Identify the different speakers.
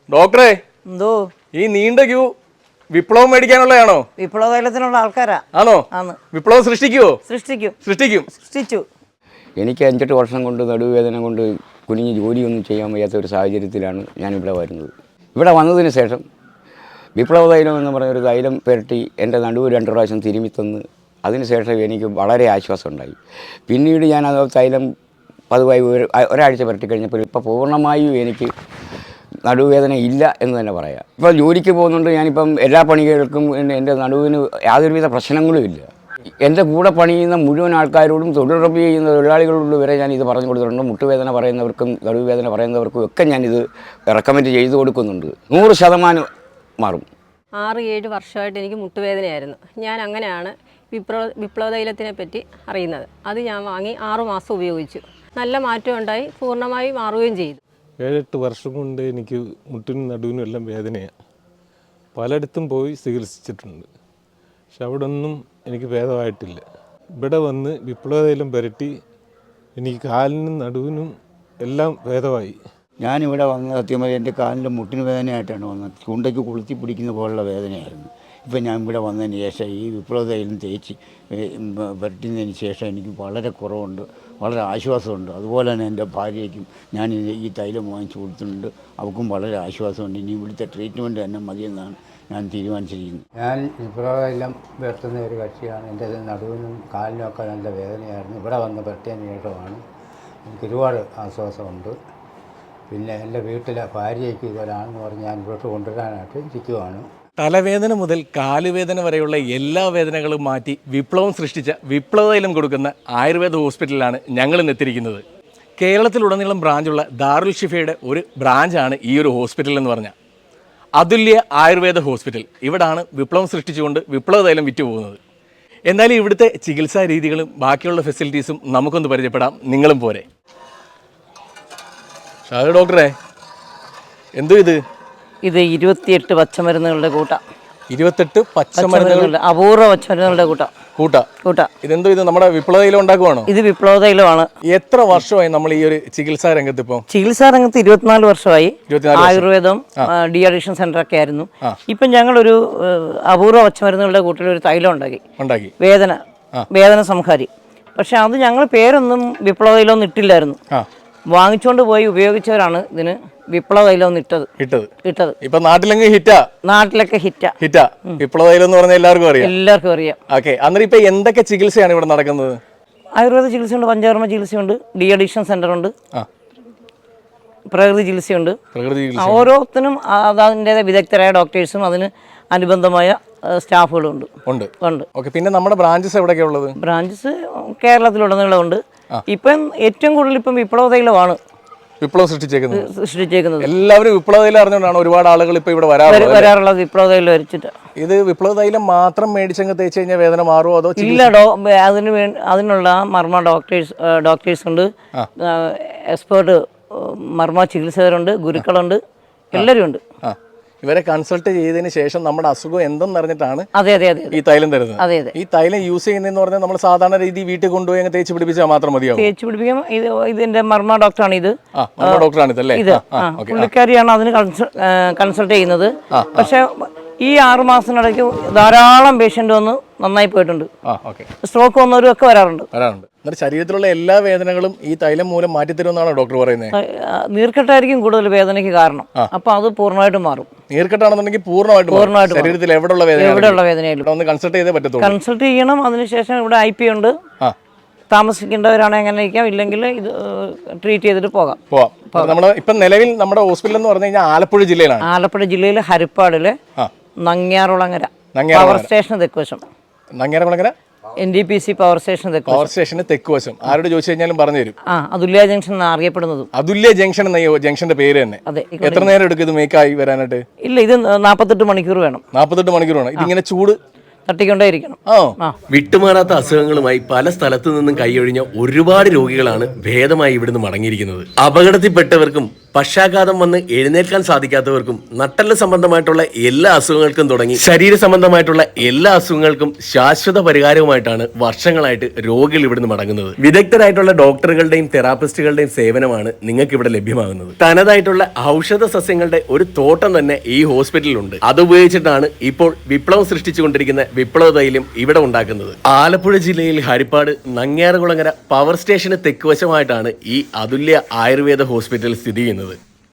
Speaker 1: ഡോക്ടറെ
Speaker 2: എന്തോ
Speaker 1: ഈ നീണ്ട ക്യൂ വിപ്ലവം മേടിക്കാനുള്ളതാണോ?
Speaker 2: വിപ്ലവ തൈലത്തിനുള്ള ആൾക്കാരാ.
Speaker 1: ആണോ? വിപ്ലവം സൃഷ്ടിക്കുവോ?
Speaker 2: സൃഷ്ടിച്ചു.
Speaker 3: എനിക്ക് 5-8 വർഷം കൊണ്ട് നടുവേദന കൊണ്ട് കുനിഞ്ഞ് ജോലിയൊന്നും ചെയ്യാൻ വയ്യാത്ത ഒരു സാഹചര്യത്തിലാണ് ഞാനിവിടെ വരുന്നത്. ഇവിടെ വന്നതിന് ശേഷം വിപ്ലവ തൈലം എന്ന് പറഞ്ഞൊരു തൈലം പുരട്ടി എൻ്റെ നടുവ് 2 പ്രാവശ്യം തിരുമ്മി തന്ന് അതിനുശേഷം എനിക്ക് വളരെ ആശ്വാസം ഉണ്ടായി. പിന്നീട് ഞാൻ അത് തൈലം പതിവായി ഒരാഴ്ച പുരട്ടി കഴിഞ്ഞപ്പോൾ ഇപ്പോൾ പൂർണ്ണമായും എനിക്ക് നടുവേദന ഇല്ല എന്ന് തന്നെ പറയാം. ഇപ്പോൾ ജോലിക്ക് പോകുന്നുണ്ട്, ഞാനിപ്പം എല്ലാ പണികൾക്കും എൻ്റെ നടുവിന് യാതൊരുവിധ പ്രശ്നങ്ങളും ഇല്ല. എൻ്റെ കൂടെ പണിയുന്ന മുഴുവൻ ആൾക്കാരോടും തൊഴിലുറപ്പ് ചെയ്യുന്ന തൊഴിലാളികളോട് വരെ ഞാൻ ഇത് പറഞ്ഞു കൊടുത്തിട്ടുണ്ട്. മുട്ടുവേദന പറയുന്നവർക്കും നടുവേദന പറയുന്നവർക്കും ഒക്കെ ഞാനിത് റെക്കമെൻഡ് ചെയ്ത് കൊടുക്കുന്നുണ്ട്. 100% മാറും.
Speaker 4: 6-7 വർഷമായിട്ട് എനിക്ക് മുട്ടുവേദനയായിരുന്നു. ഞാൻ അങ്ങനെയാണ് വിപ്ലവ തൈലത്തിനെ പറ്റി അറിയുന്നത്. അത് ഞാൻ വാങ്ങി 6 മാസം ഉപയോഗിച്ചു. നല്ല മാറ്റം ഉണ്ടായി, പൂർണ്ണമായി മാറുകയും ചെയ്തു.
Speaker 5: 7-8 വർഷം കൊണ്ട് എനിക്ക് മുട്ടിനും നടുവിനും എല്ലാം വേദനയാണ്. പലയിടത്തും പോയി ചികിത്സിച്ചിട്ടുണ്ട്, പക്ഷെ അവിടെ ഒന്നും എനിക്ക് ഭേദമായിട്ടില്ല. ഇവിടെ വന്ന് വിപ്ലവ തൈലം പുരട്ടി എനിക്ക് കാലിനും നടുവിനും എല്ലാം ഭേദമായി.
Speaker 3: ഞാനിവിടെ വന്ന് സത്യമായി എൻ്റെ കാലിൻ്റെ മുട്ടിന് വേദനയായിട്ടാണ് വന്നത്. ചൂണ്ടയ്ക്ക് കൊളുത്തി പിടിക്കുന്ന പോലുള്ള വേദനയായിരുന്നു. ഇപ്പം ഞാൻ ഇവിടെ വന്നതിന് ശേഷം ഈ വിപ്ലവ തൈലം തേച്ച് പുരട്ടുന്നതിന് ശേഷം എനിക്ക് വളരെ കുറവുണ്ട്, വളരെ ആശ്വാസമുണ്ട്. അതുപോലെ തന്നെ എൻ്റെ ഭാര്യയ്ക്കും ഞാൻ ഈ തൈലം വാങ്ങിച്ചു കൊടുത്തിട്ടുണ്ട്, അവൾക്കും വളരെ ആശ്വാസമുണ്ട്. ഇനി ഇവിടുത്തെ ട്രീറ്റ്മെൻറ്റ് തന്നെ മതിയെന്നാണ് ഞാൻ തീരുമാനിച്ചിരിക്കുന്നത്. ഞാൻ വിപ്ലവ തൈലം പുരട്ടുന്ന ഒരു കക്ഷിയാണ്. എൻ്റെ നടുവിനും കാലിനും ഒക്കെ നല്ല വേദനയായിരുന്നു. ഇവിടെ വന്ന് പുരട്ടിയതിന് ശേഷമാണ് എനിക്ക് ഒരുപാട് ആശ്വാസമുണ്ട്. പിന്നെ എൻ്റെ വീട്ടിലെ ഭാര്യയ്ക്ക് ഇതൊരാണെന്ന് പറഞ്ഞ് ഞാൻ ഇവിടോട്ട് കൊണ്ടുവരാനായിട്ട് ഇരിക്കുവാണ്.
Speaker 1: തലവേദന മുതൽ കാലുവേദന വരെയുള്ള എല്ലാ വേദനകളും മാറ്റി വിപ്ലവം സൃഷ്ടിച്ച വിപ്ലവ തൈലം കൊടുക്കുന്ന ആയുർവേദ ഹോസ്പിറ്റലിലാണ് ഞങ്ങൾ ഇന്ന് എത്തിയിരിക്കുന്നത്. കേരളത്തിലുടനീളം ബ്രാഞ്ചുള്ള ദാറുൽ ഷിഫയുടെ ഒരു ബ്രാഞ്ചാണ് ഈ ഒരു ഹോസ്പിറ്റൽ എന്ന് പറഞ്ഞാൽ അതുല്യ ആയുർവേദ ഹോസ്പിറ്റൽ. ഇവിടാണ് വിപ്ലവം സൃഷ്ടിച്ചുകൊണ്ട് വിപ്ലവ തൈലം വിറ്റുപോകുന്നത്. എന്നാലും ഇവിടുത്തെ ചികിത്സാ രീതികളും ബാക്കിയുള്ള ഫെസിലിറ്റീസും നമുക്കൊന്ന് പരിചയപ്പെടാം. നിങ്ങളും പോരെ. ഷാഹ് ഡോക്ടറെ, എന്തോ ഇത്
Speaker 2: 28 പച്ചമരുന്നുകളുടെ കൂട്ടം.
Speaker 1: 28 പച്ചമരുന്നുകളുടെ
Speaker 2: അപൂർവ പച്ചമരുന്നുകളുടെ കൂട്ട.
Speaker 1: ഇതെന്തോ ഇത് നമ്മുടെ വിപ്ലവ തൈലം ഉണ്ടാക്കുവാണോ?
Speaker 2: ഇത് വിപ്ലവ തൈലമാണ്.
Speaker 1: എത്ര വർഷമായി നമ്മൾ ഈ ഒരു ചികിത്സാ രംഗത്ത്? ഇപ്പോൾ
Speaker 2: ചികിത്സാ രംഗത്ത് 24 വർഷമായി. ആയുർവേദം ഡി അഡിക്ഷൻ സെന്റർ ഒക്കെ ആയിരുന്നു. ഇപ്പം ഞങ്ങളൊരു അപൂർവ പച്ചമരുന്നുകളുടെ കൂട്ടിൽ ഒരു തൈലം ഉണ്ടാക്കി, വേദന സംഹാരി. പക്ഷെ അത് ഞങ്ങൾ പേരൊന്നും വിപ്ലവ തൈലം ഇട്ടില്ലായിരുന്നു. വാങ്ങിച്ചുകൊണ്ട് പോയി ഉപയോഗിച്ചവരാണ് ഇതിന് വിപ്ലവ തൈലം ഇട്ടത്.
Speaker 1: ഇപ്പൊ നാട്ടിലൊക്കെ ഹിറ്റാ വിപ്ലവ തൈലം എന്ന് പറഞ്ഞാൽ എല്ലാവർക്കും അറിയാം. ഓക്കെ, അന്നേരം ഇപ്പൊ എന്തൊക്കെ ചികിത്സയാണ് ഇവിടെ നടക്കുന്നത്?
Speaker 2: ആയുർവേദ ചികിത്സയുണ്ട്, പഞ്ചകർമ്മ ചികിത്സയുണ്ട്, ഡി അഡിക്ഷൻ സെന്റർ ഉണ്ട്, പ്രകൃതി ചികിത്സയുണ്ട്. ഓരോത്തിനും അതിൻ്റെ വിദഗ്ധരായ ഡോക്ടേഴ്സും അതിന് അനുബന്ധമായ സ്റ്റാഫുകളും ഉണ്ട്.
Speaker 1: പിന്നെ നമ്മുടെ ബ്രാഞ്ചസ് എവിടെയൊക്കെയാ ഉള്ളത്?
Speaker 2: ബ്രാഞ്ചസ് കേരളത്തിലുടനീളം ഉണ്ട്. ഇപ്പം ഏറ്റവും കൂടുതൽ ഇപ്പം വിപ്ലവ തൈലമാണ്
Speaker 1: വിപ്ലവം സൃഷ്ടിച്ചേക്കുന്നത്.
Speaker 2: എല്ലാവരും
Speaker 1: വിപ്ലവ തൈലം അറിഞ്ഞുകൊണ്ടാണ് ഒരുപാട് ആളുകൾ ഇപ്പൊ ഇവിടെ
Speaker 2: വരാറുള്ളത്. വിപ്ലവ തൈലം വരച്ചിട്ട്
Speaker 1: ഇത് വിപ്ലവ തൈലം മാത്രം മേടിച്ചങ്ങ് തേച്ച് കഴിഞ്ഞാൽ വേദന മാറുമോ അതോ?
Speaker 2: ഇല്ല, അതിനുള്ള മർമ്മ ഡോക്ടേഴ്സ് ഉണ്ട്, എക്സ്പേർട്ട് മർമ്മ ചികിത്സകരുണ്ട്, ഗുരുക്കളുണ്ട്, എല്ലാവരും ഉണ്ട്.
Speaker 1: ഇവരെ കൺസൾട്ട് ചെയ്തതിന് ശേഷം നമ്മുടെ അസുഖം എന്തെന്ന് അറിഞ്ഞിട്ടാണ്
Speaker 2: അതെ
Speaker 1: ഈ തൈലം തരുന്നത്. ഈ തൈലം യൂസ് ചെയ്യുന്നതെന്ന് പറഞ്ഞാൽ നമ്മൾ സാധാരണ രീതി വീട്ടിൽ കൊണ്ടുപോയി അങ്ങ് തേച്ച് പിടിപ്പിച്ചാൽ മാത്രം മതിയാവും?
Speaker 2: തേച്ച് പിടിപ്പിക്കാം. ഇതിന്റെ മർമ്മ ഡോക്ടറാണ് ഇത്. പുള്ളിക്കാരിയാണ് അതിന് കൺസൾട്ട് ചെയ്യുന്നത്. പക്ഷെ ഈ 6 മാസത്തിനിടയ്ക്ക് ധാരാളം പേഷ്യന്റ് വന്ന് നന്നായി പോയിട്ടുണ്ട്. സ്ട്രോക്ക് വന്നവരും ഒക്കെ വരാറുണ്ട്.
Speaker 1: ശരീരത്തിലുള്ള എല്ലാ വേദനകളും ഈ തൈലം മൂലം മാറ്റിത്തരുമെന്നാണ് ഡോക്ടർ പറയുന്നത്.
Speaker 2: നീർക്കെട്ടായിരിക്കും കൂടുതൽ വേദനയ്ക്ക് കാരണം. അപ്പൊ അത് പൂർണ്ണമായിട്ടും മാറും.
Speaker 1: നീർക്കെട്ടാണെന്നുണ്ടെങ്കിൽ പൂർണ്ണമായിട്ടും ശരീരത്തിൽ എവിടെയുള്ള
Speaker 2: വേദനയായാലും
Speaker 1: ഒന്ന് കൺസൾട്ട് ചെയ്തേ പറ്റത്തുള്ളൂ.
Speaker 2: കൺസൾട്ട് ചെയ്യണം. അതിനുശേഷം ഇവിടെ IP ഉണ്ട്. താമസിക്കേണ്ടവരാണ് എങ്ങനെ ഇരിക്കാം, ഇല്ലെങ്കിൽ ഇത് ട്രീറ്റ് ചെയ്തിട്ട് പോകാം.
Speaker 1: നമ്മുടെ ഇപ്പം നിലവിൽ നമ്മുടെ ഹോസ്പിറ്റൽ എന്ന് പറഞ്ഞു കഴിഞ്ഞാൽ ആലപ്പുഴ ജില്ലയിലെ
Speaker 2: ഹരിപ്പാടിലെ നങ്ങ്യാറുളങ്ങര പവർ സ്റ്റേഷൻ തെക്കുവശം. NTPC പവർ സ്റ്റേഷന്
Speaker 1: തെക്കുവശം. ആരോട് ചോദിച്ചു കഴിഞ്ഞാലും പറഞ്ഞു തരും.
Speaker 2: അതുല്യ ജംഗ്ഷൻ എന്നാണ് അറിയപ്പെടുന്നത്.
Speaker 1: അതുല്യ ജംഗ്ഷൻ എന്ന ജംഗ്ഷന്റെ പേര് തന്നെ. എത്ര നേരം എടുക്കും ഇത് മേക്കായി വരാനായിട്ട്?
Speaker 2: ഇല്ല, ഇത് 48 മണിക്കൂർ വേണം.
Speaker 1: 48 മണിക്കൂർ വേണം. ഇതിങ്ങനെ ചൂട്
Speaker 2: തട്ടിക്കൊണ്ടേയിരിക്കണം.
Speaker 6: വിട്ടുമാറാത്ത അസുഖങ്ങളുമായി പല സ്ഥലത്തു നിന്നും കൈയൊഴിഞ്ഞ ഒരുപാട് രോഗികളാണ് ഭേദമായി ഇവിടുന്ന് മടങ്ങിയിരിക്കുന്നത്. അപകടത്തിൽപ്പെട്ടവർക്കും പക്ഷാഘാതം വന്ന് എഴുന്നേൽക്കാൻ സാധിക്കാത്തവർക്കും നട്ടെല്ല് സംബന്ധമായിട്ടുള്ള എല്ലാ അസുഖങ്ങൾക്കും തുടങ്ങി ശരീര സംബന്ധമായിട്ടുള്ള എല്ലാ അസുഖങ്ങൾക്കും ശാശ്വത പരിഹാരവുമായിട്ടാണ് വർഷങ്ങളായിട്ട് രോഗികൾ ഇവിടുന്ന് മടങ്ങുന്നത്. വിദഗ്ധരായിട്ടുള്ള ഡോക്ടറുകളുടെയും തെറാപ്പിസ്റ്റുകളുടെയും സേവനമാണ് നിങ്ങൾക്ക് ഇവിടെ ലഭ്യമാകുന്നത്. തനതായിട്ടുള്ള ഔഷധ സസ്യങ്ങളുടെ ഒരു തോട്ടം തന്നെ ഈ ഹോസ്പിറ്റലിലുണ്ട്. അതുപയോഗിച്ചിട്ടാണ് ഇപ്പോൾ വിപ്ലവം സൃഷ്ടിച്ചുകൊണ്ടിരിക്കുന്ന വിപ്ലവ തൈലം ഇവിടെ ഉണ്ടാക്കുന്നത്. ആലപ്പുഴ ജില്ലയിൽ ഹരിപ്പാട് നങ്ങ്യാറുകുളങ്ങര പവർ സ്റ്റേഷന് തെക്കുവശമായിട്ടാണ് ഈ അതുല്യ ആയുർവേദ ഹോസ്പിറ്റൽ സ്ഥിതി ചെയ്യുന്നത്.